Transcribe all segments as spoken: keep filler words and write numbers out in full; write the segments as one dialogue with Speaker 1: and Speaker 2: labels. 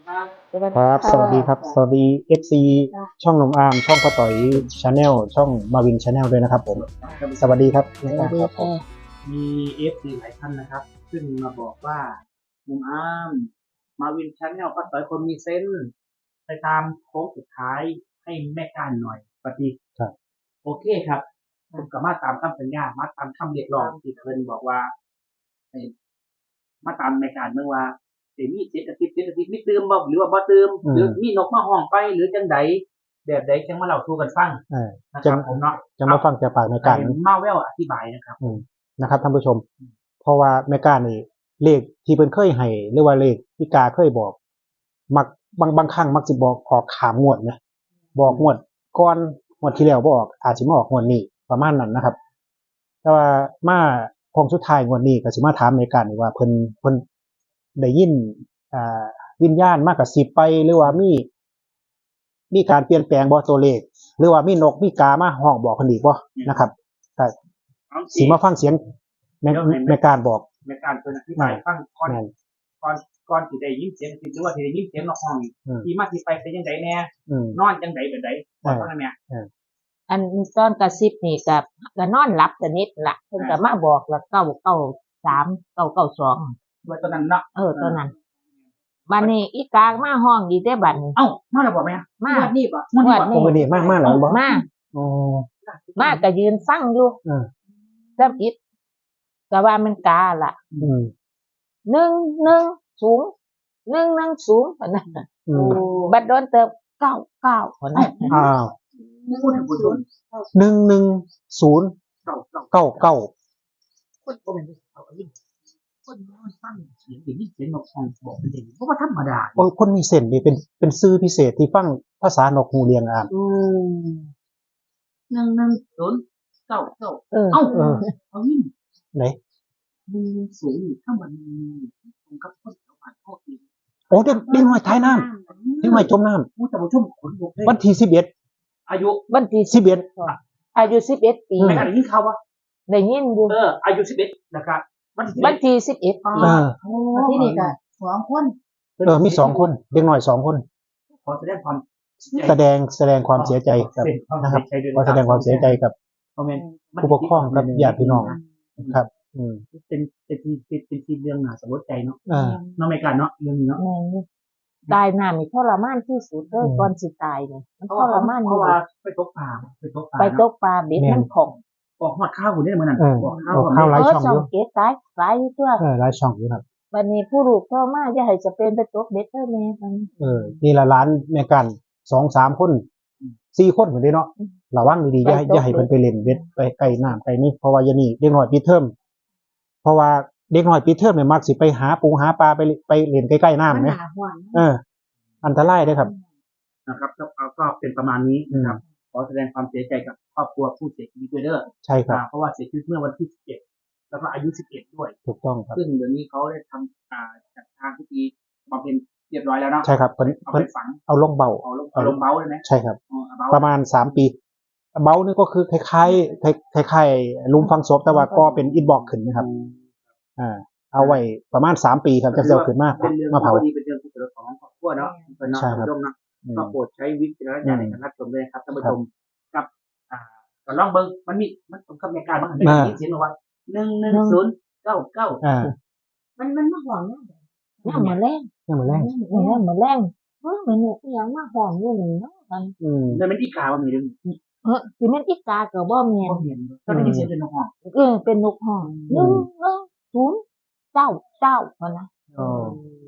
Speaker 1: ครับสวัสดีครับสวัสดีเอฟซีช่องหนุ่มอาร์มช่องป้าต่อยชาแนลช่องมาวินชาแนลด้วยนะครับผมสวัสดีครับ
Speaker 2: สวัสดีค่ะ
Speaker 3: มีเอฟซีหลายท่านนะครับซึ่งมาบอกว่าหนุ่มอาร์มมาวินชาแนลป้าต่อยคนมีเซนส์ไปตามโค้งสุดท้ายให้แม่การหน่อยปฏิครับโอเคครับผมก็มาตามคำสัญญามาตามคำเรียกร้องที่เพิ่นบอกว่ามาตามแม่การเมื่อว่าเดี๋ยวมีเจ็ดอาทิตย์เจ็ดอาทิตย์มีเติมบ่หรือว่าบ่เติมหรือมีนกมาห้องไปหรือจังใดแบบใดจังมาเล่าสู่กันฟังนะครับผมเนาะ
Speaker 1: จะมาฟังจากปากแม่การ
Speaker 3: มาแววอธิบายนะครับ
Speaker 1: นะครับท่านผู้ชมเพราะว่าแม่การนี่เลขที่เพิ่นเคยให้หรือว่าเลขที่กาเคยบอกมักบางบางครั้งมักสิบอกออกขามงวดนะบอกงวดก่อนงวดที่แล้วบ่ออกอาจสิมาออกงวดนี้ประมาณนั้นนะครับแต่ว่ามาคงสุดท้ายงวดนี้ก็สิมาถามแม่การนี่ว่าเพิ่นเพิ่นได้ยินอ่าวิญญาณมากระซิบไปหรือว่ามีมีการเปลี่ยนแปลงบ่ตัวเลขหรือว่ามีนกมีกามาห้องบอกเพิ่นอีกบ่นะครับก็สิมาฟังเสียงแม่แม่การบอก
Speaker 3: แม่การเพิ่นอธิบายฟังก่อนก่อนก่อนที่ได้ยินเสียงหรือว่าที่ได้ยินเสียงนกห้องที่มาที่ไปเป็นจังไดแน่นอนจังไดแบบใดก่อนเท่านั้นแม่
Speaker 2: อันตอนกระซิบนี่ก็ก็นอนหลับสนิทล่ะเพิ่นก็มาบอกแล้วเก้าเก้าสาม เก้าเก้าสอง
Speaker 3: ว่าตอนนั้นเนาะ
Speaker 2: เออตอนนั้นบัดนี้อีกามาห้องอีเด้บัดนี้
Speaker 3: เอ้ามาแล้วบ่แม่
Speaker 2: มา
Speaker 3: วันนี้บ่
Speaker 1: วันนี้นี้มามาแล้วบ่
Speaker 2: มาอ๋อมาก็ยืนฟังอยู่เออซ้ํอิดก็ว่ามันกาล่ะอืมหนึ่ง หนึ่ง ศูนย์ หนึ่ง หนึ่ง ศูนย์พุ่นน่ะโอ้บัดโดนเติบเก้า เก้าพุ่นน่ะ
Speaker 1: อ้าว
Speaker 3: พูดถึงผู้ชม
Speaker 1: หนึ่ง หนึ่ง ศูนย์ เก้า เก้า เก้า
Speaker 3: คนบ่แม่นเอาอีกคนนอนฟังเสียงได้ยินเสียงนกห้องบอกเป็นเด็กเพราะว่าธรรมดา
Speaker 1: คนมีเส้นนี่เป็นเป็นชื่อพิเศษที่ฟังภาษานกฮูเรียงอ่าน
Speaker 3: อืมหนึ่ง หนึ่ง ศูนย์ เก้า เก้าเอ้าเอาอีก
Speaker 1: ไหน
Speaker 3: หนึ่ง ศูนย์ถ้ามันตรงกับคนแถวบ้านพ่ออีก
Speaker 1: โอ้เด็กเด็กน้อยท้ายน้ำเด็กน้อยจมน้ำ
Speaker 3: ผู้ท่านผู้ชมขนลุกเลย
Speaker 1: วันที่สิบเอ็ด
Speaker 3: อายุ
Speaker 2: วันที่
Speaker 1: สิบเอ็ด
Speaker 2: อายุสิบเอ็ดปี
Speaker 3: ไม่ได้ยินข่าวบ่
Speaker 2: ได้ยินอยู่
Speaker 3: เอออายุสิบเอ็ดนะครับ
Speaker 2: วันที่สิบเอ็ดปีที่นี่ก็สองคน
Speaker 1: เออมีสองคนเด็กน้อยสองคน
Speaker 3: ขอแสดงความ
Speaker 1: แสดงแสดงความเสียใจกับนะครับขอแสดงความเสียใจกับผู้ปกครองกับญาติพี่น้องครับอืม
Speaker 3: เป็นเป็นเป็นเป็นทีเรื่องน่าสลดใจเนาะน้องไม่กันเนาะเรื่องนี้เนาะ
Speaker 2: ตายน้านี่ทรมานที่สุดเลยก่อนสิตายเนี่ยมันทรมาน
Speaker 3: เพราะว่าไปตกปลาไปตกปลา
Speaker 2: ไปตกปลาเบ็ดมันของ
Speaker 3: ออกมาข้าวอยู่เนี่ยเหมือนนั้น
Speaker 1: ออกข้าวข้าวหลายช่องอยู่
Speaker 2: เก็บตายหลายอยู่ตัว
Speaker 1: เออหลายช่องอยู่ครับ
Speaker 2: วันนี้ผู้ลูกโทรมาอย่าให้จะเป็นไปตกเบ็ดเด้อแม่มัน
Speaker 1: เออนี่ละล้านแม่กัน สอง สามคนสี่คนเหมือนเด้เนาะระวังดีๆอย่าอย่าให้เพิ่นไปเล่นเบ็ดไปใกล้น้ำใกล้นี่เพราะว่าอย่างนี้เด็กน้อยปิดเทอมเพราะว่าเด็กน้อยปิดเทอมเนี่ยมักสิไปหาปูหาปลาไปไปเล่นใกล้ๆน้ำเนี่ยเอออันตรายด้วยครับ
Speaker 3: นะครับก็เป็นประมาณนี้นะครับขอแสดงความเสียใจกับครอบครัวผู้เสียชีวิตด้วยเด้อ
Speaker 1: ใช่ครับ
Speaker 3: เพราะว่าเสียชีวิตเมื่อวันที่สิบเอ็ดแล้วก็อายุสิบเอ็ดด้วย
Speaker 1: ถูกต้องครับ
Speaker 3: ซึ่งเดี๋ยวนี้เขาได้ทำอ่าจัดทางพิธีบำเพ็ญเรียบร้อยแล้วเนาะ
Speaker 1: ใช่ครับเพิ่น
Speaker 3: เพิ่นฝัง
Speaker 1: เอาลงเบา
Speaker 3: เอาลงเอาลงเบาเลยไหม
Speaker 1: ใช่ครับประมาณสามปีเบานี่ก็คือคล้ายๆคล้ายๆลุมฟังศพแต่ว่าก็เป็นอิฐบล็อกขึ้นนะครับอ่าเอาไว้ประมาณสามปีครับจะเซลขึ้นมา
Speaker 3: มาเผาเป็นเรื่องที่เกิดของครอบครัวเนาะเป็นน้องผู้ชมนะก็โปรดใช้วิจารณญาณในการรับชมด้วยครับท่านผู้ชมกับอ่าก็ลองเบิ่งมันมีมันตรงกับในการมันได้ยินเสียงว่าหนึ่ง หนึ่ง ศูนย์ เก้า เก้า
Speaker 1: อ่า
Speaker 2: มันมันมาห้องเนี่ยย่ำมาแรง
Speaker 1: ย่ำมาแรง
Speaker 2: ย่ำมาแรงเฮ้ยมันยังมาห้องอยู่นี่เนาะมัน
Speaker 3: อืมแล้วมันอีกาว่ามีเรื่อง
Speaker 2: เออสิแม่นอีกาก็บ่แม่น
Speaker 3: บ่แม่นก็ได้ยินเสียงเป็นนกห้อง
Speaker 2: เออเป็นนกห้องหนึ่ง หนึ่ง ศูนย์ เก้า เก้าพุ่นน่ะ
Speaker 1: อ๋อ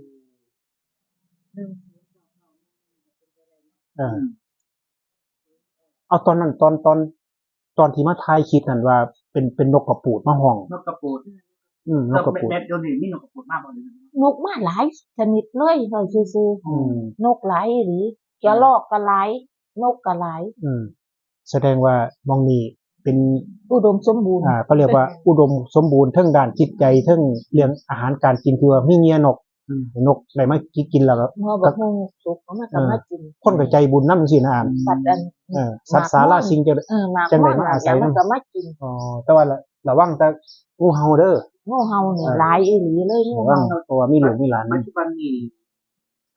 Speaker 1: เออเอาตอนนั้นตอนตอนตอนที่มาถ่ายคลิปนั่นว่าเป็นเป็นนกกระปูดมาห้อง
Speaker 3: นกกระปูด
Speaker 1: อืมนกกระปูด
Speaker 3: แม่เดี๋ยวนี้มีนกกระปูดมากบ่เลย
Speaker 2: นกมาหลายชนิดเลยเฮ้ยซื่อๆนกหลายอีหลีกระรอกก็หลายนกก็หลาย
Speaker 1: อืมแสดงว่ามองนี่เป็น
Speaker 2: อุดมสมบูรณ์
Speaker 1: อ่าเขาเรียกว่าอุดมสมบูรณ์ทั้งด้านจิตใจทั้งเรื่องอาหารการกินที่ว่ามีเงียนกนกอะไรมากินแล้วก็
Speaker 2: ก็สุกเขามาทำมากิน
Speaker 1: คนก็ใจบุญนำจังซี่นะอ่าน
Speaker 2: สัตว์อัน
Speaker 1: เออสัตว์สาราสิ่งจะ
Speaker 2: จังได๋มาอาศัยมันก็มากิน
Speaker 1: อ๋อแต่ว่าระวังแต่งูเห่าเด้อ
Speaker 2: งูเห่านี่หลายอีหลีเลยงูเห่า
Speaker 1: เพราะว่ามีหลวงมีหลาน
Speaker 3: ปัจจุบันนี้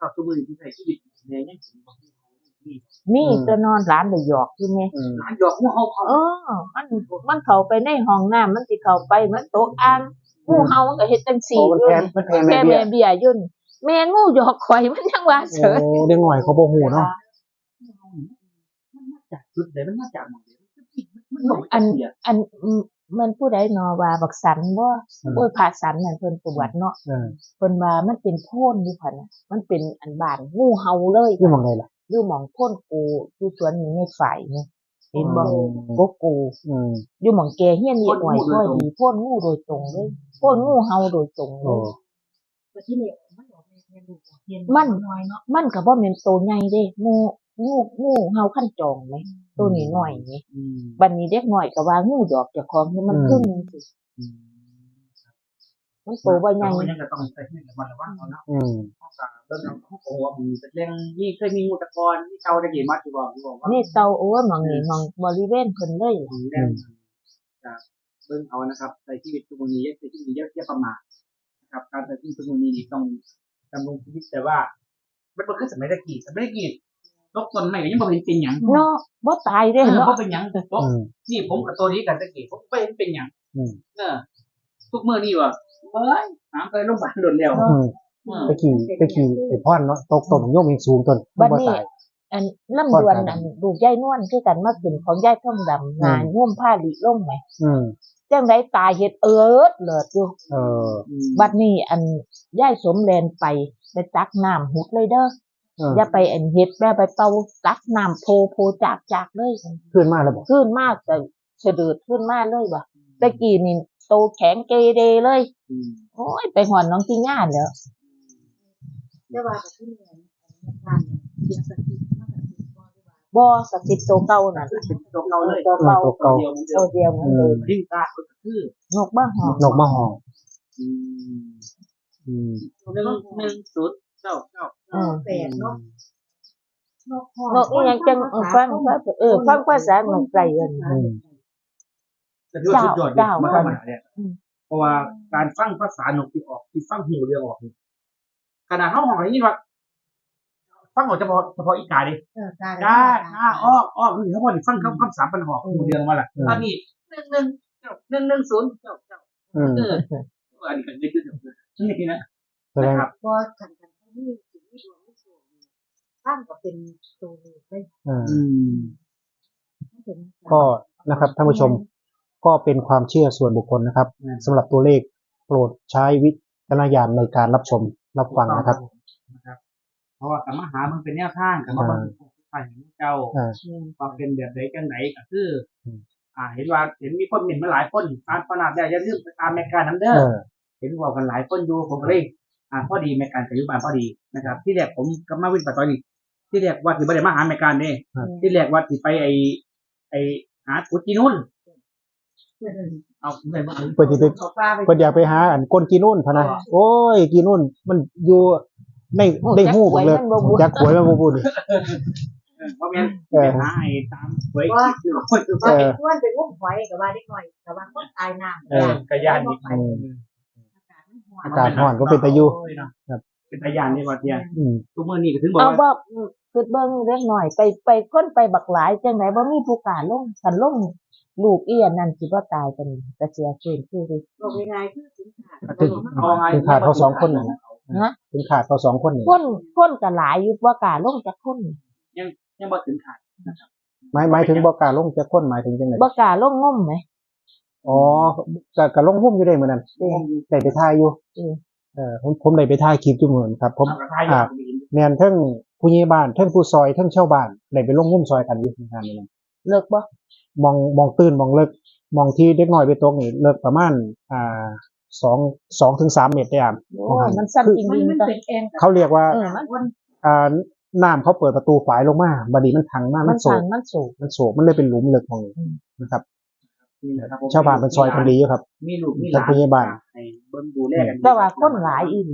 Speaker 3: ชอบทุกมือที่ใช้ชีวิตในยังสิบ่มี
Speaker 2: มีจะนอนร้านได้หยอกอยู่แม่
Speaker 1: อืม
Speaker 3: ร้านหยอกงูเห่าเขา
Speaker 2: เออ มันมันเข้าไปในห้องน้ำมันสิเข้าไปมันตกอ่างงูเห่ามันก็เฮ็ดจัง
Speaker 1: โอ้
Speaker 2: ซี่
Speaker 1: มัน
Speaker 2: อยู่
Speaker 1: แพ้มันแพ้แม่
Speaker 2: แม่
Speaker 1: เบี้
Speaker 2: แม่
Speaker 1: ย
Speaker 2: เบี้ยอยู่นี่แม่งูหยอกข่อยมันยังว่าเฉ
Speaker 1: โอ้
Speaker 2: ย
Speaker 1: เด็กหน่อยเขาบ่ฮู้เนาะ
Speaker 3: มันมาจากจุดไหนมันมาจากหม้องใดมันบ่
Speaker 2: อัน
Speaker 3: เสีย
Speaker 2: อันอืมมันผู้ใดเนาะว่าบักสันบ่โอ้ยพาสันนั่นเพิ่นตรวจเนาะ
Speaker 1: เออ
Speaker 2: เพิ่นว่ามันเป็นโพ่นอยู่คั่นน่ะมันเป็นอันบ้านงูเห่าเลย
Speaker 1: อยู่หม่องใดล่ะ
Speaker 2: อยู่หม่องโพ่นกูอยู่สวนนี้ในฝ่ายนี่เห็นบ่
Speaker 1: อืม
Speaker 2: กกกู
Speaker 1: อืม
Speaker 2: อยู่หม่องแกเฮียนนี่หน่อยค่อยดีโพ่นงูโดยตรงเลยโพ่นงูเห่าโดยตรงเล
Speaker 1: โอ้
Speaker 2: ย
Speaker 4: แต่ที่นี่มันบอกแม่แม่ดูเฮียน
Speaker 2: มัน
Speaker 4: น้อยเนาะ
Speaker 2: มันก็บ่แม่นโตใหญ่เด้งูงูงูเห่าขั้นจองไหมตัวนี้น้อยนี่
Speaker 3: อืม
Speaker 2: บัดนี้เด็กน้อยก็ว่างูดอกเจ้าของนี่มันพึ่งสิ
Speaker 3: อืม
Speaker 2: มันโตบ่ใหญ่
Speaker 3: มันยังก็ต้องใช้ชีวิตระมัดระวังเอาเนาะ
Speaker 1: อืม
Speaker 3: เพราะว่าเรื่องของเขาบอกว่ามันเป็นเรื่องนี่เคยมีงูตะกอนที่เก่าได้กี่มัดที่บอกที่บอกว่า
Speaker 2: นี่เตาโอ้ยหมองนี่หมองบริเวณเพิ่นเลย
Speaker 3: ถึงเรื่องจากเบิ่งเอานะครับในชีวิตทุกวันนี้ในชีวิตนี้เยอะประมาทนะครับการใช้ชีวิตทุกวันนี้ต้องดำรงชีวิตแต่ว่ามันเป็นแค่สมัยตะกี้สมัยตะกี้ตกต้นไม้ก็ยังบ่เห็นเป็นหยัง
Speaker 2: เนาะบ่ตายเด้
Speaker 3: เออ
Speaker 2: เนาะ
Speaker 3: บ่เป็นหยังตก
Speaker 1: อืม
Speaker 3: นี่ผมกับตัวนี้กันตะกี้ผมบ่เห็นเป็นหยัง
Speaker 1: อืม
Speaker 3: เออทุกมื้อนี่ว่าเฮ้ยหามไปโรงพยาบาลโดนแล้ว
Speaker 1: อืม
Speaker 3: เออ
Speaker 1: ไปขี่ไปขี่ไอ้พ่อนเนาะตกต้นโยมอีกสูงต้น
Speaker 2: บัด
Speaker 1: บ่
Speaker 2: นี้
Speaker 1: ตาย
Speaker 2: อันน้ำดวนอันลูกยายนวลคือกันมาขึ้นของยายทองดำงานง่วมผ้าลิล่มไหม
Speaker 1: อืม
Speaker 2: จังไดตายเฮ็ดเอิดเลิศอยู่
Speaker 1: เออ
Speaker 2: บัดนี้อันยายสมแลนไปไปตักน้ำหุดเลยเด้อ
Speaker 1: เออ
Speaker 2: อย่าไปอันเฮ็ดแม่ไปเป่าตักน้ำโพโพจากจากเลย
Speaker 1: ขึ้นมาแล้วบ่
Speaker 2: ขึ้นมากแต่เฉดืดขึ้นมากเลยว่ะตะกี้นี่โตแข็งเกเรเลย
Speaker 3: อืม
Speaker 2: โอ้ยไปหอนน้องที่ย่านแล้ว
Speaker 4: แต่ว่ากับที่นี่อันนี้การเนี่ยเสียงสติมากกับติบ่หรือว่า
Speaker 2: บ่สติโตเก่านั่นล่ะ
Speaker 3: เป็นตัวเก่าเลย
Speaker 2: โตเก่า
Speaker 1: ตัวเก่า
Speaker 3: เดียวเหมือนเดิ
Speaker 2: โต
Speaker 3: ม
Speaker 2: เดียวเหมือนเดิม
Speaker 3: ทิ้งตาก็คือน
Speaker 2: กบ้าหอม
Speaker 1: นกมาห้อง
Speaker 3: อืม
Speaker 1: อืม
Speaker 3: หนึ่งหนึ่งศูนย์เก้าเก้า
Speaker 2: เออ
Speaker 4: แปดเนาะนกห้อง
Speaker 2: นกอีหยังจังเออฟังว่าเออฟังภาษานกไก่เอิ้น
Speaker 1: อืม
Speaker 3: แต่ที่ว่าสุดยอดเนี่ย
Speaker 2: เจ้า
Speaker 3: มัน
Speaker 2: เจ้า
Speaker 3: ธรรมดาเนี่ย
Speaker 2: อืม
Speaker 3: เพราะว่าการฟังภาษานกที่ออกที่ฟังหูเรือออกนี่ขนาดเข้าห้องอะไรนี่ว่าฟังออกเฉพาะเฉพาะอีกาดิ
Speaker 4: เออการ
Speaker 3: กาก้าอ้ออ้อคือเขาบอกนี่ฟังคำคำสามปัญหาหูเรือมาละตอนนี้หนึ่งหนึ่งเจ้าหนึ่งหนึ่งศูนย์เจ้าเจ้า
Speaker 1: อืม
Speaker 3: เอออันนี้ก็ยึดยึดนี่นะ
Speaker 1: แสดง
Speaker 3: นะครับ
Speaker 4: พอขันกันที่นี่สิ่งที่ดวงไม่สวยข้างก็เป็นตัวนี้ไป
Speaker 1: อ่า
Speaker 3: อืม
Speaker 4: เป็น
Speaker 1: ก็นะครับท่านผู้ชมก็เป็นความเชื่อส่วนบุคคลนะครับสำหรับตัวเลขโปรดใช้วิจารณญาณในการรับชมรับฟังนะครับ
Speaker 3: นะครับ เพราะว่าสามารถหามันเป็นแนวทางกับมาเป็นฝ่ายของเจ้า
Speaker 1: อ่า
Speaker 3: ความเป็นแบบไหนจังไหนก็คืออ
Speaker 1: ม
Speaker 3: อ่า เห็นว่าเห็นมีคนเห็นมาหลายคนตามขนาดได้อย่าลืมไปตามแมกการน้ำเด้
Speaker 1: เอ
Speaker 3: อ
Speaker 1: อ
Speaker 3: เห็นว่ากันหลายคนอยู่ผมก็เลยอ่าพอดีแมกการกับยุบานพอดีนะครับ ที่แรกผมกับมาวินปัตตอนนี้ที่แรกว่าสิบ่ได้มาหาแมกการเด้
Speaker 1: ครับ
Speaker 3: ที่แรกว่าสิไปไอไอหากุจินุ่นเอาไปบ่
Speaker 1: เพื่อที่ไป
Speaker 4: เอาปลาไป
Speaker 1: เพื่ออยากไปหาอันก้นกีนุ่นพะนะโอ้ยกีนุ่นมันอยู่ในในหูผมเลยจักหวยมันบ่พูดนี่
Speaker 3: เพราะงั้น
Speaker 1: เอ
Speaker 3: ไป
Speaker 1: อ
Speaker 3: หาไอ้ตามหวย
Speaker 4: ว่า
Speaker 3: อยู่
Speaker 4: ว่าเป็นอ้วนเป็นงุ้มหอยกับว่าได้หน่อยกับว่าคนตายน้ำ
Speaker 1: เออ
Speaker 3: กระยานนี่
Speaker 1: อืม
Speaker 4: อากาศมันร้อน
Speaker 1: อากาศร้อนก็เป็นตะยุ ครับ
Speaker 3: เป็นตะยานนี่ว่าเดีย
Speaker 1: อืม
Speaker 3: ทุกมื้อนี้ก็ถึงบอก
Speaker 2: เอา
Speaker 3: ว่า
Speaker 2: บ่คือเบิ่งเล็กหน่อยไปไปคนไปบักหลายจังไดบ่มีผู้กล้าลงคันลงลูกอีอันนั้นสิบ่ตายกันก็เสียฟื้นคือดิ
Speaker 4: บอกยังไงคือถึงขาด
Speaker 1: ถึง
Speaker 3: เอาไง
Speaker 1: ถึงขาดเขาสองคนน่ะ
Speaker 2: ฮะ
Speaker 1: ถึงขาดเขาสองคนนี่
Speaker 2: คนคนก็หลายอยู่บ่กล้าลงจักคน
Speaker 3: ยังบ่ถึงขาด
Speaker 1: หมายหมายถึงบ่กล้าลงจักคนหมายถึงจังได๋
Speaker 2: บ่กล้าลงงมไหม
Speaker 1: อ๋อก็ก็ลงหุ้มอยู่ได้เหมือนนั้นได้ไปถ่ายอยู่
Speaker 2: อืม
Speaker 1: เออผมผมได้ไปถ่ายคลิปอยู่เหมือนครับ ผม
Speaker 3: เอากระทายอย่างนี้
Speaker 1: แม่นเทั้งผู้ใหญ่บ้านเทั้งผู้ซอยเทั้งชาวบ้านได้ไปลงหุ้มซอยกันอยู่งานนี้นะ
Speaker 2: เลิกบ่
Speaker 1: มองมองตื้นมองเลิกมองที่เด็กน้อยไปตกนี่เลิกประมาณอ่าสองสองถึงสามเมตรได้อ่ะ
Speaker 2: โอ้ยมันสั้นจริง
Speaker 4: มัน
Speaker 2: ๆ
Speaker 4: มัน
Speaker 2: จ้ะ
Speaker 4: เป็นเอง
Speaker 1: เขาเรียกว่า
Speaker 2: เออมัน
Speaker 4: วัน
Speaker 1: อ่าน้ำเขาเปิดประตูฝายลงมาบัดนี้มันทังมาก
Speaker 2: มั
Speaker 1: มัน นโศ
Speaker 2: สั่
Speaker 1: ก
Speaker 2: งมันสูง
Speaker 1: มันโศกมันเลยเป็นหลุมเลิกของนะครับ
Speaker 3: นี่แหละครับผม
Speaker 1: ชาวบ้านเป็นซอยกันดีอยู่ครับ
Speaker 3: มีลูกมีห
Speaker 1: ท่า
Speaker 3: ลาน น
Speaker 1: ผู้ใหญ่บ้าน
Speaker 3: ให้เบิ่งดูแลกัน
Speaker 2: แต่ว่าคนหลายอีหลี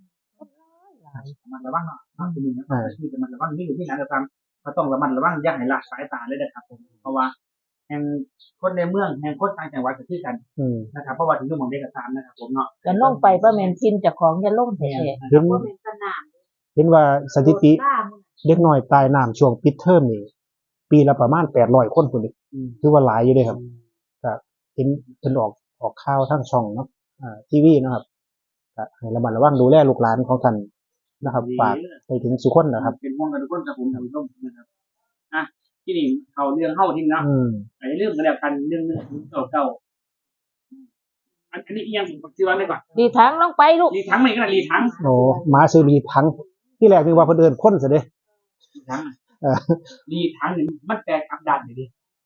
Speaker 3: มันระวังเนาะครับคุณนะชีวิตมันระวังมีลูกมีหลานก็ตามก็ต้องระมัดระวังอย่าให้ละสายตาเลยนะครับผมเพราะว่าแห่งคนในเมืองแห่งคนต่างจังหวัดก็คือกัน
Speaker 1: อืม
Speaker 3: นะครับเพราะว่าถึงอยู่หม่องใดก็ตามนะครับผมเนาะ
Speaker 2: จะลงไปบ่แม่นทินเจ้าของจะลงแท้
Speaker 1: ถึง
Speaker 4: ว่าเป็นสนาม
Speaker 1: เห็นว่าสถิติ
Speaker 4: ล่ามัน
Speaker 1: เด็กน้อยตายน้ำช่วงปิดเทอมนี่ปีละประมาณแปดร้อยคนพุ่นนี่
Speaker 3: อืม
Speaker 1: ถือว่าหลายอยู่เด้ครับก็เห็นเพิ่นออกออกข่าวทางช่องเนาะอ่าทีวีเนาะครับก็ให้ระมัดระวังดูแลลูกหลานของท่านนะครับฝากไปถึงสุคนนะครับ
Speaker 3: เป็นห่วงกันทุกคนครับผมท่านผู้ชมนะครับอ่ะที่นี่เขาเรื่องเข้าที่นะ
Speaker 1: อืม
Speaker 3: ไอ้เรื่องกันแล้วกันเรื่องเรื่องเก่าเก่าๆอันอันนี้อีกอยังผมชื่อว่าอะไรก่อน
Speaker 2: ดีทั้งลงไปลูก
Speaker 3: รีทั้งไหนกันนะรีทั้ง
Speaker 1: โอ้หมาซื้อรีทั้งที่แรกนึกว่าเพิ่นเอิ้นคนซะเด้
Speaker 3: รีทั้ง
Speaker 1: เออ
Speaker 3: รีทั้งนี่มันแตกอับดันอยู่ดิ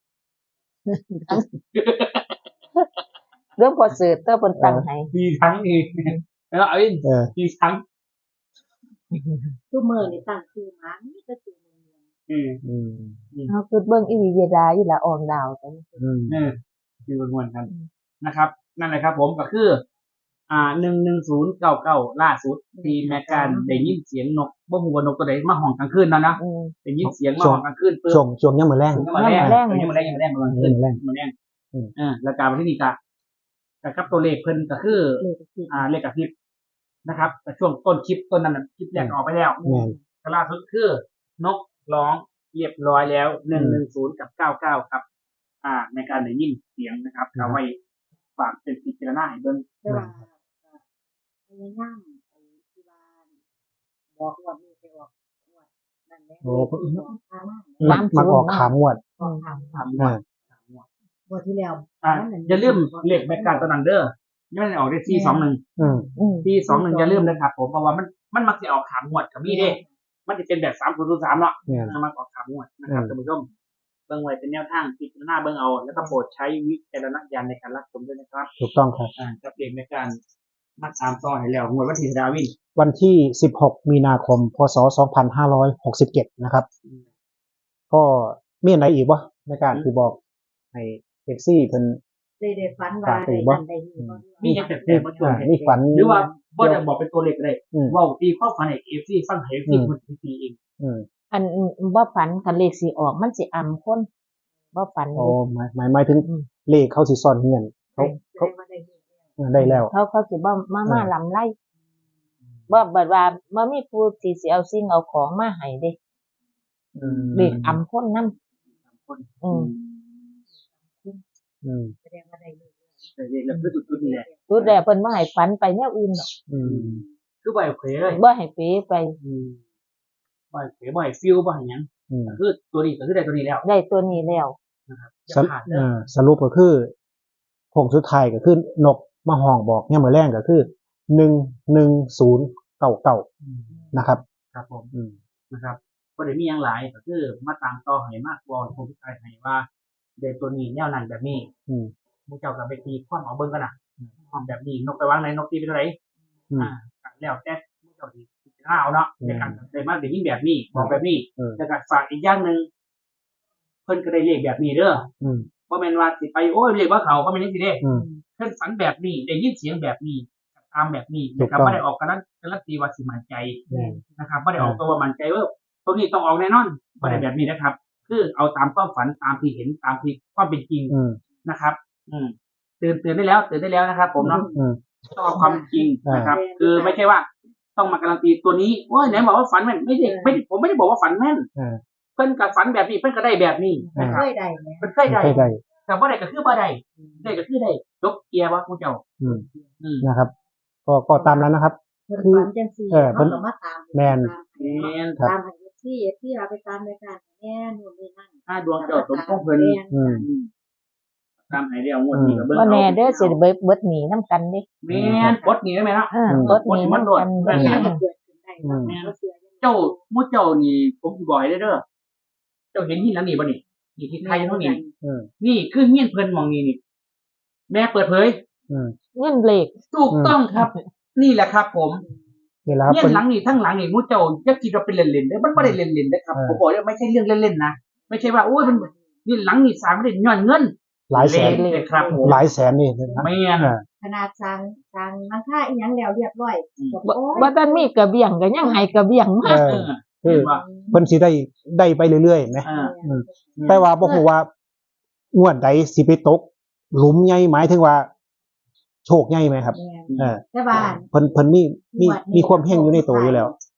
Speaker 2: เรื่องพอสืบเตอร์เพิ่นตั้งให้
Speaker 3: รีทั้งนี่แล้วเอาอิน
Speaker 1: เออ
Speaker 3: รีทั้ง
Speaker 4: ทุกมื้อนี่ตั้งชื่อหมามีแต่ชื่อเมือง
Speaker 3: อืม
Speaker 1: อืม
Speaker 2: เฮาคือเบิ่งอีหลีเวลาอีหละอองดาวจัง
Speaker 1: อืม
Speaker 3: เออมีวนวนๆกันนะครับ นั่นแหละครับ ผมก็คือ อ่าหนึ่งหนึ่งศูนย์เก้าเก้าล่าสุดทีแมกการได้ยินเสียงนกบ่ฮู้ว่านกตัวใดมาห้องกลางคืนนั่นนะ
Speaker 2: อืม
Speaker 3: ได้ยินเสียงมาห้องกลางคืนปึ๊บ
Speaker 1: ช่วงช่วงยังมื้อแรง
Speaker 3: ยังมาแรง
Speaker 2: ยังมาแรง
Speaker 3: ยังมาแรงยังมาแรงยังมาแรง
Speaker 1: ยังมาแรง
Speaker 3: ยังมาแรง
Speaker 1: อืม
Speaker 3: เออแล้วการมาที่นี่กะกับตัวเลขเพิ่นก็คือ
Speaker 4: เลยก็คือ
Speaker 3: อ่าเลขกับคลิปนะครับแต่ช่วงต้นคลิปต้นนั้นนะคลิปแรกออกไปแล้ว
Speaker 1: แม่น
Speaker 3: ก็ล่าสุดคือนกร้องเรียบร้อยแล้วหนึ่งหนึ่งศูนย์กับเก้าเก้าครับ อ่า ในการได้ยินเสียงนะครับเอาไว้ฝากเป็นพิจารณาให้เบิ่ง
Speaker 4: แต่ว่าพยายามไอ้ที่บ้านบอกว่ามีไปออกงวดนั่นแหละ
Speaker 1: โอ้
Speaker 4: บอกพามา
Speaker 1: มักมักออกขามงวด
Speaker 4: บอกทาง
Speaker 3: ทำ
Speaker 1: อ่า
Speaker 4: งวดที่แล้ว
Speaker 3: อ่าอย่าลืมเลขแบกการตัวนั้นเด้อยังไม่ได้ออกได้ที่สองหนึ่ง
Speaker 1: อืม
Speaker 2: อืม
Speaker 3: ที่สองหนึ่งอย่าลืมนะครับผมเพราะว่ามันมันมักจะออกขามงวดกับมีเด้ มันจะเป็นแบบสามศูนย์ศูนย์สามเนาะ
Speaker 1: แม่น
Speaker 3: นำมาออกขามงวดนะครับ
Speaker 1: อืม
Speaker 3: ท่านผู้ชมเบิ่งไว้เป็นแนวทางพิจารณาเบิ่งเอา แล้วก็โปรดใช้วิจารณญาณในการรับชมด้วยนะครับ
Speaker 1: ถูกต้องครับ
Speaker 3: อ่ากับเลขในการมัดตามต่อให้แล้วงวดวันที่ดาวิน
Speaker 1: วันที่สิบหกมีนาคมพศสองพันห้าร้อยหกสิบเจ็ดนะครับ ก็มีอันไหนอีกวะในการที่บอกให้เอฟซีเพิ่น
Speaker 4: ได้ได้ฝันว่า
Speaker 1: ฝากไป
Speaker 4: ได้
Speaker 1: บ่
Speaker 4: นั่นได้นี่บ่
Speaker 3: มีอย่างแต่แต่มาช่วย
Speaker 1: อ่านี่ฝัน
Speaker 3: หรือว่าบ่ได้บอกเป็นตัวเลขก็ได้
Speaker 1: อืม
Speaker 3: เว่าตีข้อฝันให้เอฟซีฟังให้เอฟซี
Speaker 1: อืม
Speaker 3: คนตีเอง
Speaker 1: อืม
Speaker 2: อันบ่ฝันคันเลขสิออกมันสิอำคนบ่ฝัน
Speaker 1: โอ้
Speaker 2: เลย
Speaker 1: หมายหมายหมายถึง
Speaker 2: อืม
Speaker 1: เลขเขาสิซ่อนเงินเขาเขา
Speaker 4: ได้ว่าได้นี่
Speaker 1: เออได้แล้ว
Speaker 2: เขาเขาสิบ่มา
Speaker 1: เออ
Speaker 2: มาลำไล่บ่บัดว่าบ่มีผู้ที่สิเอาสิ่งเอาของมาให้เด้
Speaker 1: อืม
Speaker 2: เลขอำคนนำ
Speaker 3: คน
Speaker 2: อืม
Speaker 1: อืม
Speaker 4: แสดงว่าได้นี่
Speaker 3: แต่เลขแล้วคือจุดๆนี่แหละ
Speaker 2: สุดแลวเพิ่นบ่ให้ฝันไปแนวอื่นดอก
Speaker 1: อืม
Speaker 3: คือบ่ให้เผยเลย
Speaker 2: บ่ให้เป๋ไป
Speaker 3: อืมบ่ให้เผยบ่ให้ฟิลบ่ให้หยัง
Speaker 1: อืม
Speaker 3: ก็คือตัวนี้ก็คือได้ตัวนี้แล้ว
Speaker 2: ได้ตัวนี้แล้ว
Speaker 3: นะครับอ
Speaker 1: ส
Speaker 3: ย่า
Speaker 1: รุป
Speaker 3: ขาดเล
Speaker 1: เอย อสรุปก็คือผงสุดท้ายก็คือนกมาห้องบอกเนี่ยมือแรงก็คือหนึ่งหนึ่งศูนย์เก้าเก้านะครับ
Speaker 3: ครับผม
Speaker 1: อืม
Speaker 3: นะครับก็ได้มีอย่างหลายก็คือมาตามต่อให้มากวอนผมทายให้ว่าเดตัวนี้แนวนั้นแบบนี้
Speaker 1: อืม
Speaker 3: มูเจ้ากับไปตีความเอาเบิ่งกันนะความแบบนี้นกไปวางไหนนกตีไปเท่าไหร่
Speaker 1: อืม
Speaker 3: อ่าแล้วแต่มูเจ้าที่พิจารณาเอาเนาะ
Speaker 1: อืม
Speaker 3: ในการได้มาได้ยินแบบนี้บอกแบบนี้
Speaker 1: เออ
Speaker 3: แต่การฝากอีกอย่างหนึ่งเพิ่นก็ได้เลขแบบนี้เด้อ
Speaker 1: อืม
Speaker 3: บ่แม่นว่าสิไปโอ้ยเลขว่าเขาก็ไม่นจังซี่เด้
Speaker 1: อืม
Speaker 3: เพิ่นฝันแบบนี้ได้ยินเสียงแบบนี้ตามแบบนี้
Speaker 1: ถู
Speaker 3: นะ
Speaker 1: ก
Speaker 3: ครับ
Speaker 1: ต้อง
Speaker 3: บ่ได้ออกการันการันตีว่าสิมั่นใจ
Speaker 1: อืม
Speaker 3: นะครับบ่ได้ออกตัวว่ามั่นใจว่าตัวนี้ต้องออกแน่นอนบ่ได้แบบนี้นะครับ คือเอาตามความฝันตามที่เห็นตามที่ความเป็นจริง
Speaker 1: อืม
Speaker 3: นะครับ อืมตื่นตื่นได้แล้วตื่นได้แล้วนะครับ ผมเนาะ
Speaker 1: อืม
Speaker 3: ต้องเอาความเป็นจริงนะครับ
Speaker 4: อ่า
Speaker 3: คือไม่ใช่ว่า ต้องมาการันตีตัวนี้โอ้ยไหนบอกว่าฝันแม่นไม่ได้ไม่ได้ผมไม่ได้บอกว่าฝันแม่น
Speaker 1: อ่า
Speaker 3: เพิ่นกับฝันแบบนี้เพิ่นก็ได้แบบนี้นะค
Speaker 4: เค
Speaker 3: รับ
Speaker 4: ยได้แหม
Speaker 3: เพิ่นเคยได้
Speaker 1: ใช่ได้
Speaker 3: แต่บ่ได้ก็คือบ่ได้ได้ก็คือได้ยกเกียร์ว่าผู้เจ้า
Speaker 1: อืม
Speaker 3: อืม
Speaker 1: นะครับ ก็ก็ตามนั้นนะครับ
Speaker 4: เพิ่นฝันจังซี่
Speaker 1: เออเพิ่น
Speaker 4: เฮาก็มาตาม
Speaker 1: แม่น
Speaker 3: แม่น
Speaker 1: ครับ
Speaker 4: ตามให้ที่ที่เราไปตามรายการแน่นู่นนี่นั่น
Speaker 3: ถ้าดวงเจ้าสมพงษ์เพิ่น
Speaker 4: แม่น
Speaker 1: อืม
Speaker 3: อืมตามให้แล้วงวดนี้ก็เบิ่ง
Speaker 2: บ่
Speaker 3: เอา
Speaker 2: แน่เด้อสิได้เบิดเบิดหนีนํกันเด้
Speaker 3: แม่นปลดหนี้ได้ไหมเนาะ
Speaker 2: เออเบิดหนีนํกัน
Speaker 3: อืม
Speaker 2: เด้อ
Speaker 4: มันเกิดขึ้นได้เนาะ
Speaker 1: อืม
Speaker 4: บ่เชื่อยังไง
Speaker 3: เจ้าหมู่เจ้านี่ผมสิบอกให้เด้อเด้อเจ้าเห็นหินหลังนี้บ่นี่นี่ที่ไทยเท่านี้
Speaker 1: อืม
Speaker 3: นี่คือเฮียนเพิ่นหมองนี้นี่ แม่เปิดเผย
Speaker 1: อืม
Speaker 2: เงินเลข
Speaker 3: ถูกต้องครับ นี่แหละครับ ผม
Speaker 1: นี่แหละครับ
Speaker 3: เฮียน
Speaker 1: เป็น
Speaker 3: หลังนี้ทั้งหลังนี่หมู่เจ้าอย่าคิดว่าเป็นเล่นๆเด้อมันบ่ได้เล่นๆเด้อครับ
Speaker 1: เออ
Speaker 3: ผมบอกเลยไม่ใช่เรื่องเล่นๆนะไม่ใช่ว่าโอ้ยมันนี่หลังนี่สร้างบ่ได้ย้อนเงิน
Speaker 1: หลายแสน
Speaker 3: เล่เลยครับผม
Speaker 1: หลายแสนนี่นะครับ
Speaker 3: แม่น
Speaker 1: อ่า
Speaker 4: ขนาดสร้างสร้างหลังคาอีหยังแล้วเรียบร้อย
Speaker 3: อืม
Speaker 4: บอก
Speaker 2: บ่
Speaker 4: โอ้ย
Speaker 2: บ่ทันมีกระเบียงก็ยังให้กระเบียง
Speaker 1: เอ
Speaker 2: มา
Speaker 1: อ
Speaker 3: เออ
Speaker 1: คือ
Speaker 3: เห็นว่า
Speaker 1: เพิ่นสิได้ได้ไปเรื่อยๆไหม
Speaker 3: อ่า
Speaker 1: อืม แต่ว่าบ่ฮู้ว่างวดใดสิไปตก หลุมใหญ่หมายถึงว่า โชคใหญ่ไหมครับ
Speaker 4: แม่น
Speaker 1: เออ
Speaker 4: แต่ว่า
Speaker 1: เพิ่นเพิ่นมีมีมีความเฮงอยู่ในตัวอยู่แล้ว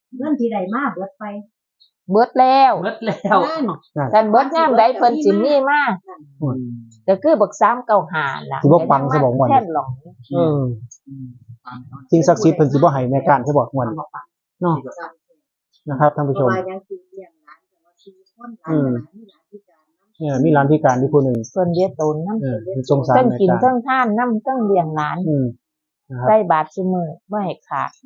Speaker 4: เงินที่ใดมาเบิดไป
Speaker 2: เบิดแล้ว
Speaker 3: เบิดแล้ว
Speaker 4: นั่น
Speaker 2: กันเบิดยามใดเพิ่นสิมีมา
Speaker 1: อืม
Speaker 2: ก็คือบักสามเก้าห้าล่ะ
Speaker 1: สิบ่ปังสิบ่ม่วน
Speaker 2: แค่นหลง
Speaker 1: เออสิ่งศักดิ์สิทธิ์เพิ่นสิบ่ให้แม่การใช่บ่ม่วนเนาะนะครับท่านผู้ชม
Speaker 4: เพราะว่ายังสิเลี้ยงหลานแต่ว่าสี่คนหลาน
Speaker 1: อืม
Speaker 4: หลานมีหลานพิการนำ
Speaker 1: เนี่ยมีร้านพิการที่ผู้หนึง
Speaker 2: เพิ่นเรียกตนนำ
Speaker 1: เออมันสงสาร
Speaker 2: เพิ่น
Speaker 1: แม่
Speaker 2: กิน
Speaker 1: การ
Speaker 2: เพิ่งทานนำเพิ่งเลี้ยงหลาน
Speaker 1: อืมนะครับ
Speaker 2: ใส่บาตรซุมื้อบ่ให้ขาด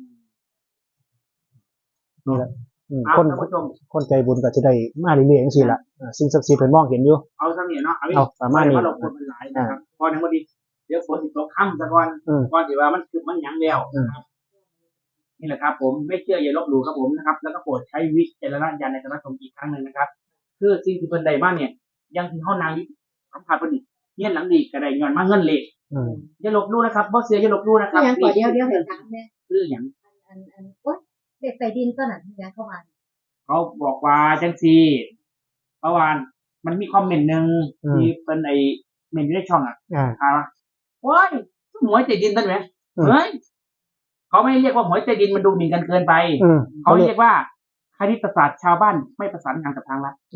Speaker 1: นี่แหละอืม
Speaker 3: เอา
Speaker 1: คน
Speaker 3: ท่านผู้ชม
Speaker 1: คนใจบุญก็จะได้มาเรื่อยๆจังซี่ล่ะอ่าสิ่งศักดิ์สิทธิ์เพิ่นมองเห็นอยู่
Speaker 3: เอาซะนี่เนาะเอา
Speaker 1: เอาประมาณนี้
Speaker 3: เพราะเราคนมันหลายนะครับพอในวันนี้เดี๋ยวฝนสิตกค่ำซะก่อน
Speaker 1: อืม
Speaker 3: ก่อนที่ว่ามันคือมันหยังแล้ว
Speaker 1: อืม
Speaker 3: นะครับนี่แหละครับ ผมไม่เชื่ออย่าลบหลู่ครับผมนะครับ แล้วก็โปรดใช้วิจารณญาณในการรับชมอีกครั้งหนึ่งนะครับคือสิ่งที่เพิ่นใดบ้านเนี่ย ยังที่เฮานางอยู่สัมผัสเพิ่นนี่เงี้ยหลังดีก็ได้ย้อนมาเงินเลข
Speaker 1: อืม
Speaker 3: อย่าลบหลู่นะครับบ่เสียอย่าลบหลู่นะครับ
Speaker 4: คือหยังก่อนเดียวเดียวให้ถามแม่
Speaker 3: คือหยัง
Speaker 4: อันอันโอ๊ยเด็กใต้ดินตัวนั้นที่ยังเข้ามา
Speaker 3: เขาบอกว่าจังซี่เพราะว่ามันมีคอมเมนต์หนึงที่เป็นไอ้เมนอยู่ในช่องอ่ะ
Speaker 1: อ่า
Speaker 3: ถามว่าโอ้ยหมวยใจดินต้นไหม
Speaker 1: อืม
Speaker 3: เฮ้ยเขาไม่เรียกว่าหมวยใจดินมันดูหมิ่นกันเกินไป
Speaker 1: อืม
Speaker 3: เขา
Speaker 1: เขาเรีย
Speaker 3: เรี
Speaker 1: ก
Speaker 3: ยกว่าคณิตศาสตร์ชาวบ้านไม่ประสานงานกับทางรัฐ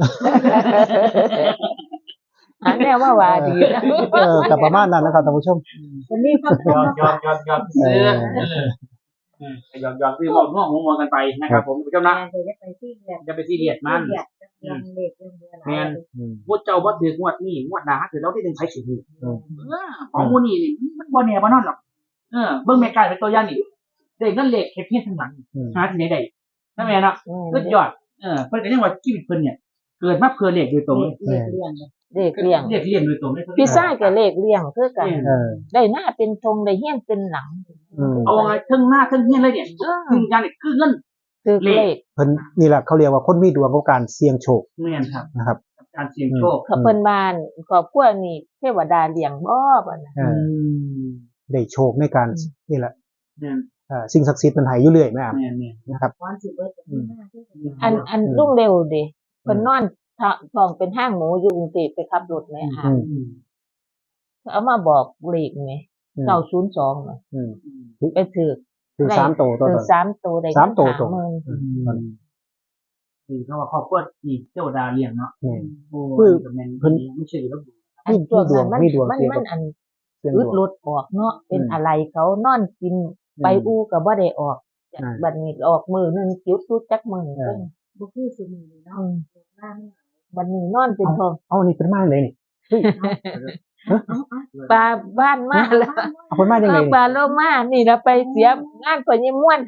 Speaker 2: อันแน่ว่าว่าดีนะ
Speaker 1: เออกับประมาณนั้นนะครับท่านผู้ชม
Speaker 4: วันนี้เขา
Speaker 3: ยอมยอมยอมยอมซื้อเออยอมยอมซื้อบอกง่วงหัวมวกันไปนะครับ ผมผู้ชมนะ
Speaker 4: แม่จะได้ไปที่เรียน
Speaker 3: จะไปซีเรียสมัน
Speaker 4: เรียนเรียนเด็กเรียนเบื่อหลาย
Speaker 3: แม่น
Speaker 1: อืม
Speaker 3: พูดเจ้าบ่ถืองวดนี่งวดหนาถือแล้วที่หนึ่งใช้ถือ
Speaker 1: อืม
Speaker 3: เออของมูนี่นี่มันบ่แน่บ่นอนหรอกเออเบิ่งแม่กายเป็นตัวอย่างนี่ได้เงินเลขเฮ็ดเพี้ยนทั้งหลัง
Speaker 1: อืม
Speaker 3: หาที่ไหนได้นั่นแม่นเนาะสุดยอดเออเพิ่นก็ยังว่าชีวิตเพิ่นเนี่ยเกิดมาเพื่อเลขโดยตรงเลย
Speaker 4: เรียนเรียน
Speaker 2: เลขเลี้ยง
Speaker 3: เลขเรียนโดยตรงเลย
Speaker 2: พี่ชายก็เลขเลี้ยงคือกัน
Speaker 1: เออ
Speaker 2: ได้หน้าเป็นธงได้เฮียนเป็นหลัง
Speaker 1: อืม
Speaker 3: เอาไงทั้งหน้าทั้งเฮียนเลยเนี่ย
Speaker 2: เออ
Speaker 3: คืออย่างนี้คือเงิน
Speaker 2: คือเลข
Speaker 1: เพิ่นนี่แหละเขาเรียกว่าคนมีดวงกับการเสี่ยงโชค
Speaker 3: แม่นครับ
Speaker 1: นะครับ
Speaker 3: การเสี่ยงโชค
Speaker 2: เขาเพิ่นบ้านครอบครัวนี่เทวดาเลี้ยงบ่บ่น่ะ
Speaker 1: เออได้โชคในการนี่แหละ
Speaker 3: แม่น
Speaker 1: เอ่อสิ่งศักดิ์สิทธิ์มันให้อยู่เรื่อยแม่อ่ะ
Speaker 3: แม่นแม่น
Speaker 1: นะครับ
Speaker 4: วันสิเบิดจะมีหน้าที่
Speaker 2: อันอันลุงเร็วดิเพิ่นนอนท้องเป็นห้างหมูอยู่กรุงเทพไปขับรถแม่หา
Speaker 1: อืม
Speaker 3: อืม
Speaker 2: เอามาบอกเลขแม่
Speaker 1: อืม
Speaker 2: เก้าศูนย์สองน่ะ
Speaker 1: อืม
Speaker 2: ไปถือ
Speaker 1: คือสามโตวตัว
Speaker 2: ถื
Speaker 1: ต
Speaker 2: อน สามตัวได้
Speaker 1: สามตัวตรง
Speaker 2: หมื่น
Speaker 1: อืม
Speaker 3: คือเขาว่าครอบครัวนี่เจ้าดาเลี้ยงเนาะ
Speaker 1: นี่
Speaker 3: โอ้
Speaker 1: คือ
Speaker 3: ก็แม่น
Speaker 1: เพิ่น
Speaker 3: ไม่ใช่แล้ว
Speaker 2: อันช่วงนั้นมัน
Speaker 1: มีดวง
Speaker 2: มัน
Speaker 1: เกี่ยวกับ
Speaker 2: มันอัน
Speaker 1: เสี่ยง
Speaker 2: อึ
Speaker 1: ด
Speaker 2: ด
Speaker 1: วง
Speaker 2: รถออกเนาะเป็น
Speaker 1: อืม
Speaker 2: อะไรเขานอนกินไป
Speaker 1: อืม
Speaker 2: อูก็บ่ได้ออก
Speaker 1: อ่า
Speaker 2: บัดนี้ออกมือหนึงจุดจุดจักมือ
Speaker 1: เออ
Speaker 4: บุคือสมุนเนาะ
Speaker 2: อืม
Speaker 4: บ้าน
Speaker 2: บัดนี้นอนเป็นทอง
Speaker 1: เอาอันนี้เป็นมาเลยนี่
Speaker 2: ปลาบ้านมาแล้ว
Speaker 1: เอาเป็นมาจังได
Speaker 2: เออ
Speaker 1: นี่
Speaker 2: ปลาโลมานี่เราไปเสียงานพ่อยิ่ม่วน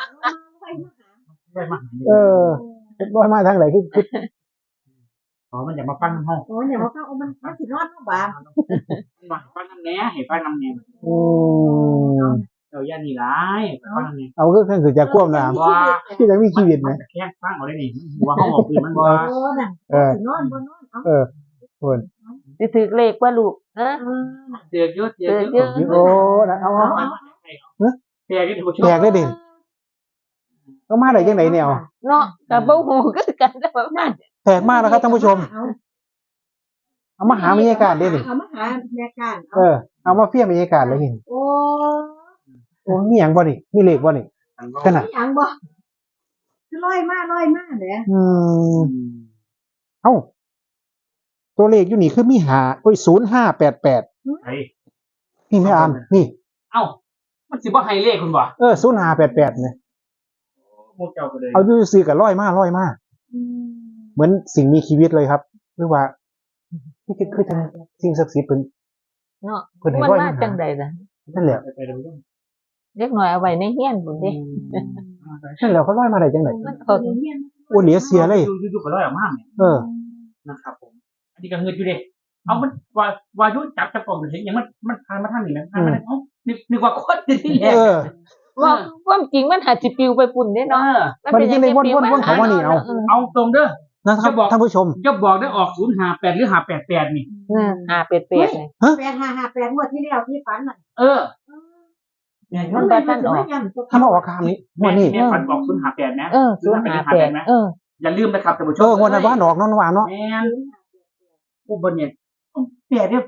Speaker 3: ได้มา
Speaker 1: เออเป็นบ่มาทางไหนคือคือ
Speaker 3: อ๋อมันอยากมาฟังน้ำห้อง
Speaker 4: โอ้ยเนี่ยมาฟังเอามันมันสินอนเนาะบ้าน
Speaker 3: มาฟังน้ำแหน่ให้ฟังน้ำแหน่
Speaker 1: อืม
Speaker 3: เจ้าย่านี่ร้ายฟังน้ำแหน่
Speaker 1: เอาก็คือจะควบน้ำที่จะมีชีวิต
Speaker 3: มั
Speaker 1: นะ
Speaker 3: นจะแค่ฟังเอาได้นี่หัวห้องออกคืนมันบ่
Speaker 4: โอ้น่ะ
Speaker 1: เออ
Speaker 4: สินอนบ่นอนเอา
Speaker 1: เออคน
Speaker 2: สิถือเลขว่าลูกเออ
Speaker 3: เจอเยอะเจอ
Speaker 2: เจอ
Speaker 3: เย
Speaker 2: เย
Speaker 3: อะ
Speaker 2: อะ
Speaker 1: โอ้นะเอาเอา
Speaker 3: แปลกันท่านผู้ชม
Speaker 1: แปลกเลยดิเอามาได้จังไหนเนี่ยเอา
Speaker 2: เนาะก็บ่ฮู้คือกันแต่ว่ามัน
Speaker 1: แปลกมากนะครับท่านผู้ชม
Speaker 4: เอา
Speaker 1: เอามาหาบรรยากาศได้ดิ
Speaker 4: เอามาหาแม่การ
Speaker 1: เออเอามาเฟี้ยงบรรยากาศเลยนี่
Speaker 4: โอ้
Speaker 1: โอ้มีหยังบ่นี่มีเลขบ่นี่ ขนาด
Speaker 4: มีหยังบ่คือลอยมาลอยมาแหละ
Speaker 1: อืมเอ้าตัวเลขอยู่นี่คือมีหาโอ้ยศูนย์ห้าแปดแปด
Speaker 3: ไอ้
Speaker 1: นี่ไม่อ่านนี่
Speaker 3: เอ้ามันสิบ่ให้เลขคุณบ่
Speaker 1: เออศูนย์ห้าแปดแปดเนี่ย
Speaker 3: พวกเจ้าก็เลย
Speaker 1: เอาดูซื้อกับร้อยมากร้อยมาก
Speaker 4: อืม
Speaker 1: เหมือนสิ่งมีชีวิตเลยครับ หรือว่านี่คือคือทางสิ่งศักดิ์สิทธิ์เป็น
Speaker 2: เนาะ
Speaker 1: เพิ่นให้
Speaker 2: มัน
Speaker 1: ร้อย
Speaker 2: มา
Speaker 1: มา
Speaker 2: จังไดล่ะ
Speaker 1: นั่นแหละ
Speaker 3: ไปไปท่านผู้ชม
Speaker 2: เล็กน้อยเอาไว้ในเฮียนพุ่นเด้
Speaker 1: นั่นแหละเขาร้อยมาได้จังไหน
Speaker 2: มันเขา
Speaker 1: โอ้เหลียเสียเลย
Speaker 3: ดูดูดูก็ร้อยออกมาเนี่ย
Speaker 1: เออ
Speaker 3: นะครับผม อันนี้ก็เงินอยู่เด้เอามันว่าวายุจับจับกล่องเห็นอย่างมันมันพานมาทางนี้นะพานมาทางเอ้านึกนึกว่าคนที่แร
Speaker 1: เอก อ
Speaker 2: ว่าความจริงมันอาจสิปลิวไปปุ่นเด้
Speaker 3: เอ
Speaker 2: เนาะ
Speaker 3: อ
Speaker 1: มันยังได้วนๆๆเขาว่านี่เอา
Speaker 3: เอาตรงเด้อ
Speaker 1: นะครับ
Speaker 3: จะบอก
Speaker 1: ท่านผู้ชม
Speaker 3: จะบอกได้ออกศูนย์ห้าแปดหรือห้าแปดแปดนี่
Speaker 2: เออหาเป็ดๆนี่
Speaker 4: แปดห้าห้าแปดงวดที่แล้วที่ฝันน่ะ
Speaker 3: เออเนี่ย
Speaker 2: มันบ่ทันออก
Speaker 1: ถ้ามาออกคำนี้งวันนี้
Speaker 3: แม่ฝันบอกศูนย์ห้าแปดนะ
Speaker 2: เออศูนย์ห้าแปดเออ
Speaker 3: อย่าลืมนะครับท่านผู้ช
Speaker 1: เอ
Speaker 3: ม
Speaker 1: องวันนั้นว่าออกเนอนวานเนาะ
Speaker 3: แม่นผู้บนเนี่ยแปดเนี่ย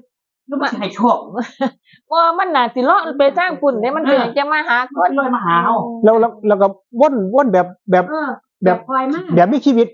Speaker 3: แล้วมันสิให้โชค
Speaker 2: ว่ามันน่าสิเลาะไปทางปุ่นเนี่ยมันเป็นจะมาหาค
Speaker 3: มัน
Speaker 2: น
Speaker 3: เลยมาหาเอา
Speaker 1: แล้วแล้วแล้วก็ว่นว่นแบบแบบ
Speaker 4: เออ
Speaker 1: แบบ
Speaker 4: คอยมาก
Speaker 1: แบบมีชีวิต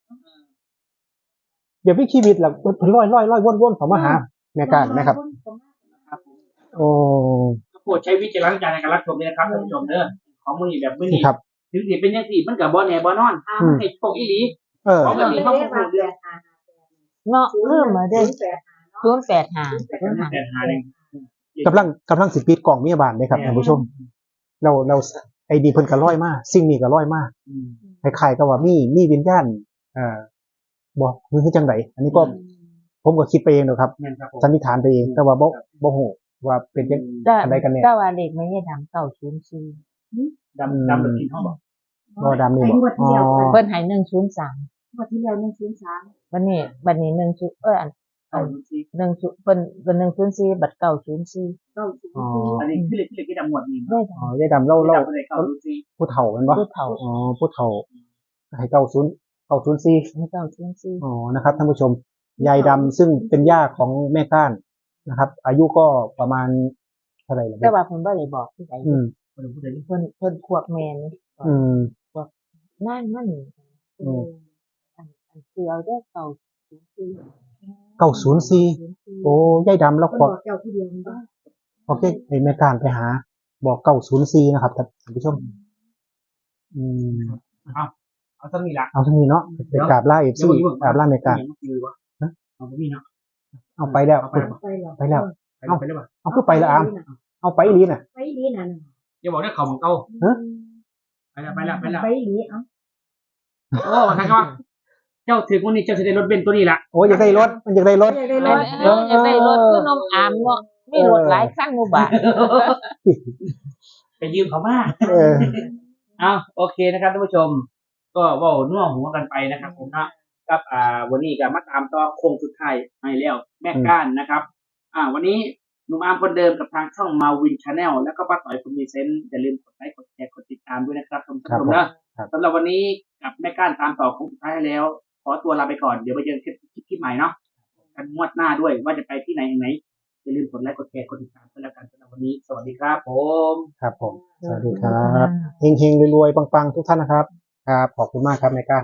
Speaker 1: แบบมีชีวิตแล้วเพิ่นลอยลอยลอยว่นว่นเขามาหาแม่การนะครับ
Speaker 3: ครับผม
Speaker 1: โอ้
Speaker 3: โปรดใช้วิจารณญาณในการรับชมด้วยนะครับท่านผู้ชมเด้อของมือนี้แบบมือนี้
Speaker 1: ครับ
Speaker 3: ถึงสิเป็นยังสี่มันกับบ่แน่บ่นอนห้ามันให้โชคอีหลี
Speaker 1: เออ
Speaker 3: ของแบบนี้เขาพูดเรื่อง
Speaker 2: เนาะลืมมาเด้อ
Speaker 4: ศูนย์แปดห้า
Speaker 2: ศูนย์แปดห้า
Speaker 3: แต่หาหนึ่ง
Speaker 1: กำลังกำลังสิปิดกล่องมียบานเลยครับท่านผู้ชม เราเราไอ้ดีเพิ่นก็ร้อยมากสิ่งนี้ก็ร้อยมาก
Speaker 3: อืม
Speaker 1: คล้ายๆกับว่ามีมีวิญญาณเอ่อบอกมันคือจังไดอันนี้ก็ผมก็คิดไปเองเนอะครับ
Speaker 3: แม่นครับผม
Speaker 1: สันนิษฐานไปเองแต่ว่าบ่บ่ฮู้ว่าเป็นจัง
Speaker 2: แต่
Speaker 1: อะไรกันเนี่ย
Speaker 2: แต่ว่าเด็กไม่ได้ดำเก้าศูนย์สี่
Speaker 3: ดำดำแบบกินเขาบอก
Speaker 1: บ่ดำนี่
Speaker 4: ไอ้
Speaker 1: บ่
Speaker 4: งวดที่แล้ว
Speaker 1: อ๋อ
Speaker 2: เพิ่นให้หนึ่งศูนย์สาม
Speaker 4: งวดที่แล้วหนึ่งศูนย์สาม
Speaker 2: วันนี้บัดนี้หนึ่งศูนย์เอออัน
Speaker 3: เอาดูสิ
Speaker 2: หนึ่งศูนย์เพิ่นเพิ่นหนึ่งศูนย์สี่บัดเก้าศูนย์สี่
Speaker 4: เก้าศูนย์
Speaker 1: อ๋อ
Speaker 4: สี่
Speaker 3: อันนี้คือเล็กที่เล็กที่ดำหมวดนี่
Speaker 2: ได้
Speaker 1: อ๋อยายดำเล่า
Speaker 3: เรา
Speaker 1: เล่า
Speaker 3: เราเลยเขาดูสิ
Speaker 1: ผู้เฒ่าแม่นบ่
Speaker 2: ผู้เฒ่า
Speaker 1: อ๋อผู้เฒ่าให้เก้าศูนย์เก้าศูนย์สี่
Speaker 2: ให้เก้าศูนย์สี่
Speaker 1: อ๋อนะครับท่านผู้ชมยายดำซึ่งเป็นย่าของแม่ก้านนะครับ อายุก็ประมาณเท่าไหร่ล่ะ
Speaker 2: แต่ว่าเพิ่นบ่ได้บอกที่ไหน
Speaker 1: อืม
Speaker 3: คนพูดอะไรนี่
Speaker 2: เพิ่นเพิ่นพวกแม่นี่
Speaker 1: อืม
Speaker 2: นั่นมัน
Speaker 1: อืม
Speaker 2: อันอันคือเอาได้เก้าศูนย์สี่
Speaker 1: เก้าศูนย์สี่โอ้ยายดำแล้ว
Speaker 4: คน
Speaker 1: ข
Speaker 4: บ
Speaker 1: อ
Speaker 4: อกเจ้าผู้เดียวมันบ้า
Speaker 1: โอเคไอ้แม่การไปหา บอกเก้าศูนย์สี่นะครับท่านผู้ชม อืม
Speaker 3: เอาสักนี่ละ
Speaker 1: เอาทั้งนี้เนาะไปกราบล่าเอฟซีกราบล่าแม่การ
Speaker 3: เอาไปนี่เนาะ
Speaker 1: เอาไปแล้ว
Speaker 3: เอาไป
Speaker 4: ไปหรอ
Speaker 1: ไปแล้ว
Speaker 3: เอาไปเลยป่ะ
Speaker 1: เอาขึ้นไปแล้วอามเอาไปอีหลีน่ะ
Speaker 4: ไปดีน่ะ
Speaker 3: อย่าบอกได้ข่าวของเก่า
Speaker 1: ฮะ
Speaker 3: ไปแล้วไปแล้วไปแล้ว
Speaker 4: ไปดีเอ้า
Speaker 3: โอ้ใครก็เจ้าถือวันนี้เจ้าจะได้รถเบนซ์ตัวนี้ละ
Speaker 1: โอ้ยอยากได้รถมันอยากได้รถ
Speaker 4: อยากได้
Speaker 2: เอ
Speaker 4: ร
Speaker 2: อ
Speaker 4: ถ
Speaker 2: เอออยากได้รถคือนมอามเนาะมีรถหลายคันหมู่บ้าน
Speaker 3: ไปยืมเขามา
Speaker 1: เออ
Speaker 3: เอาโอเคนะครับท่านผู้ชม ก็เว่าน่วหัวกันไปนะครับ ผมนะกับอ่าวันนี้ก็มาตามต่อโค้งสุดท้ายให้แล้วแม่ก้านนะครับ อ่า วันนี้หนุ่มอาร์มคนเดิมกับทางช่องมาวินชาแนลแล้วก็ป้าต่อยคนมีเซนต์อย่าลืมกดไลค์กดแชร์กดติดตามด้วยนะครับท่านผู้ชมนะครับ สำหรับวันนี้กับแม่ก้านตามต่อโค้งสุดท้ายให้แล้ว ขอตัวลาไปก่อนเดี๋ยวไปเจอคลิปคลิปใหม่เนาะกันงวดหน้าด้วยว่าจะไปที่ไหนยังไงอย่าลืมกดไลค์กดแชร์กดติดตามกันแล้วกันสำหรับวันนี้สวัสดีครับผม
Speaker 1: ครับผม สวัสดีครับ เฮงๆรวยๆ ปังๆ ทุกท่านนะครับ ครับ ขอบคุณมากครับแม่ก้าน